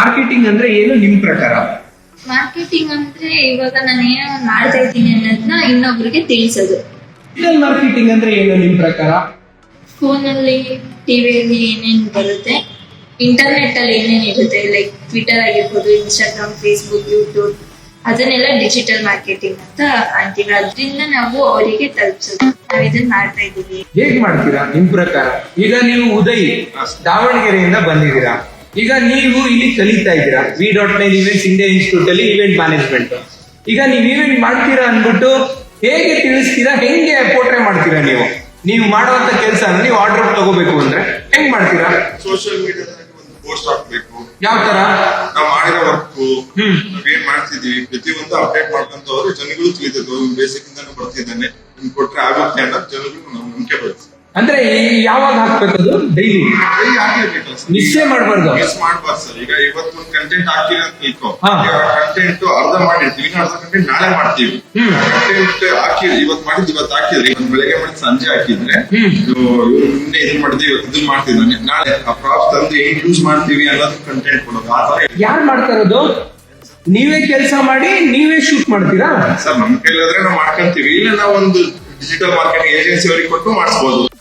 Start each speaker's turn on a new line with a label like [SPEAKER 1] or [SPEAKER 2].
[SPEAKER 1] Marketing ಅಂದ್ರೆ ಏನು ನಿಮ್ ಪ್ರಕಾರ?
[SPEAKER 2] ಮಾರ್ಕೆಟಿಂಗ್ ಅಂದ್ರೆ ಇವಾಗ ನಾನು ಏನೋ ಮಾಡ್ತಾ ಇದ್ದೀನಿ ಅನ್ನೋದನ್ನ ಇನ್ನೊಬ್ರಿಗೆ ತಿಳಿಸೋದು.
[SPEAKER 1] ಡಿಜಿಟಲ್ ಮಾರ್ಕೆಟಿಂಗ್ ಅಂದ್ರೆ ಏನು ನಿಮ್ ಪ್ರಕಾರ?
[SPEAKER 2] ಫೋನಲ್ಲಿ, ಟಿವಿಯಲ್ಲಿ ಏನೇನು ಬರುತ್ತೆ, ಇಂಟರ್ನೆಟ್ ಅಲ್ಲಿ ಏನೇನು ಇರುತ್ತೆ, ಲೈಕ್ ಟ್ವಿಟರ್ ಆಗಿರ್ಬೋದು, ಇನ್ಸ್ಟಾಗ್ರಾಮ್, ಫೇಸ್ಬುಕ್, ಯೂಟ್ಯೂಬ್, ಅದನ್ನೆಲ್ಲ ಡಿಜಿಟಲ್ ಮಾರ್ಕೆಟಿಂಗ್ ಅಂತ ಅಂತೀವಿ. ಅದರಿಂದ ನಾವು ಅವರಿಗೆ ತಲುಪಿಸೋದು. ನಾವು ಇದನ್ನ ಮಾಡ್ತಾ ಇದ್ದೀವಿ.
[SPEAKER 1] ಹೇಗ್ ಮಾಡ್ತೀರಾ ನಿಮ್ ಪ್ರಕಾರ? ಈಗ ನೀವು ಉದಯ್ ದಾವಣಗೆರೆಯಿಂದ ಬಂದಿದ್ದೀರಾ, ಈಗ ನೀವು ಇಲ್ಲಿ ಕಲಿತಾ ಇದ್ದೀರಾ V.9 ಇವೆಂಟ್ಸ್ ಇಂಡಿಯಾ ಇನ್ಸ್ಟಿಟ್ಯೂಟ್ ಅಲ್ಲಿ ಇವೆಂಟ್ ಮ್ಯಾನೇಜ್ಮೆಂಟ್. ಈಗ ನೀವು ಇವೆಂಟ್ ಮಾಡ್ತೀರಾ ಅನ್ಬಿಟ್ಟು ಹೇಗೆ ತಿಳಿಸ್ತೀರಾ? ಹೆಂಗೆ ಪೋಟ್ರೆ ಮಾಡ್ತೀರಾ? ನೀವು ಮಾಡುವಂತ ಕೆಲಸ ನೀವು ಆರ್ಡರ್ ತಗೋಬೇಕು ಅಂದ್ರೆ ಹೆಂಗ್ ಮಾಡ್ತೀರಾ?
[SPEAKER 3] ಸೋಷಿಯಲ್ ಮೀಡಿಯಾದಲ್ಲಿ ಒಂದು ಪೋಸ್ಟ್ ಹಾಕ್ಬೇಕು.
[SPEAKER 1] ಯಾವ ತರ?
[SPEAKER 3] ನಾವು ಮಾಡಿರೋ ವರ್ಕ್ ನಾವೇನ್ ಮಾಡ್ತಿದೀವಿ ಪ್ರತಿಯೊಂದು ಅಪ್ಡೇಟ್ ಮಾಡ್ಕೊಂತ ಹೋದ್ರೆ ಜನಗಳು ತಿಳಿತದೆ. ಬೇಸಿಕ್ ಇಂದಾನು ಬರ್ತಿದ್ದಾನೆ, ನಿಮ್ಗೆ ಕೊಟ್ರೆ ಆಗುತ್ತೆ ಅನ್ನೋ ಜನಗಳು ನಾವು ನಂಬಿಕೆ ಬರ್ತದೆ.
[SPEAKER 1] ಅಂದ್ರೆ ಯಾವಾಗ ಹಾಕ್ಬೇಕದು? ಡೈಲಿ
[SPEAKER 3] ಹಾಕಿರ್ಬೇಕಲ್ಲ ಸರ್,
[SPEAKER 1] ಮಿಸ್ ಮಾಡಬಾರ್ದು.
[SPEAKER 3] ಮಿಸ್ ಮಾಡ್ಬಾರ್ದು ಸರ್. ಈಗ ಇವತ್ತು ಒಂದು ಕಂಟೆಂಟ್ ಹಾಕಿರಿ ಅಂತ ತಿಳ್ಕೊ,
[SPEAKER 1] ಹಾ.
[SPEAKER 3] ಕಂಟೆಂಟ್ ಅರ್ಧ ಮಾಡಿರ್ತೀವಿ, ಇನ್ನು ಅರ್ಧ ಕಂಟೆಂಟ್ ನಾಳೆ ಮಾಡ್ತೀವಿ. ಕಂಟೆಂಟ್ ಹಾಕಿದ್ರಿ, ಇವತ್ತು ಮಾಡಿದ್ ಇವತ್ತು ಹಾಕಿದ್ರಿ, ಇವತ್ತು ಬೆಳಗ್ಗೆ ಮಾಡಿ ಸಂಜೆ ಹಾಕಿದ್ರೆ ನಿನ್ನೆ ಇದನ್ ಮಾಡಿದ್ವಿ, ಇವತ್ತು ಇದನ್ ಮಾಡ್ತಿದ್ದಾನೆ, ನಾಳೆ ಆ ಪ್ರಾಪ್ಸ್ ತಂದು ಹೆಂಗ್ ಯೂಸ್ ಮಾಡ್ತೀವಿ ಅನ್ನೋದು ಕಂಟೆಂಟ್ ಕೊಡೋದು. ಆ ತರ
[SPEAKER 1] ಯಾರು ಮಾಡ್ತಾರದು? ನೀವೇ ಕೆಲಸ ಮಾಡಿ ನೀವೇ ಶೂಟ್ ಮಾಡ್ತೀರಾ?
[SPEAKER 3] ಸರ್ ನಮ್ ಕೈಲಾದ್ರೆ ನಾವು ಮಾಡ್ಕೊಂತೀವಿ, ಇಲ್ಲ ನಾವು ಒಂದು ಡಿಜಿಟಲ್ ಮಾರ್ಕೆಟಿಂಗ್ ಏಜೆನ್ಸಿ ಅವರಿಗೆ ಕೊಟ್ಟು ಮಾಡಿಸ್ಬೋದು.